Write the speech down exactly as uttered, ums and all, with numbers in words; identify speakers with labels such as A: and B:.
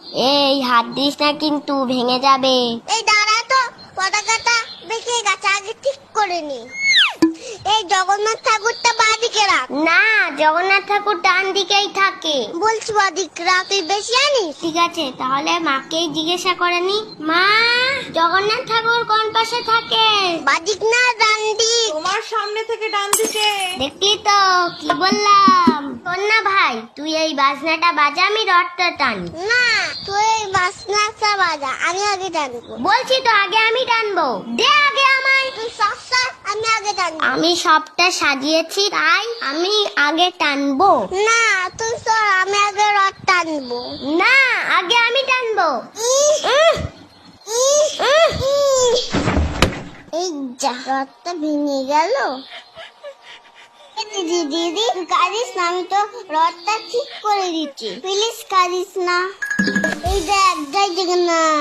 A: এই হাত দিস না কিন্তু ভেঙে যাবে।
B: এই দাঁড়া তো, পতাকাটা বেঁকে গেছে, আগে ঠিক করে নি। এই জগন্নাথ ঠাকুরটা বাঁদিকে রাখ।
A: না, জগন্নাথ ঠাকুর ডান দিকেই থাকে।
B: বলছি বাঁদিকে রাখ, তুই বেশি জানিস।
A: ঠিক আছে, তাহলে মাকেই জিজ্ঞাসা করে নি। মা, জগন্নাথ ঠাকুর কোন পাশে থাকে?
B: বাঁদিক না ডান দিক?
C: তোমার সামনে থেকে ডান দিকে।
A: দেখলি তো কি বললাম। শোন না ভাই, তুই এই বাজনাটা বাজা, আমি রথটা টানি।
B: না, তুই এই বাসনাটা বাজা, আমি আগে টানবো।
A: বলছি তো আগে আমি টানবো, দে আগে আমায়।
B: তুই সব সর, আমি আগে টানবো।
A: আমি সবটা সাজিয়েছি তাই আমি আগে টানবো।
B: না, তুই সর, আমি আগে রথ টানবো।
A: না, আগে আমি টানবো।
B: ইস,
A: উহ,
B: ইস,
A: উহ।
B: ইস। এই যা, রথটা ভেঙে গেল। দিদি দিদি তুই কাঁদিস না, আমি তো রথটা ঠিক করে দিচ্ছি, প্লিজ কাঁদিস না। এই দেখ, জয় জগন্নাথ।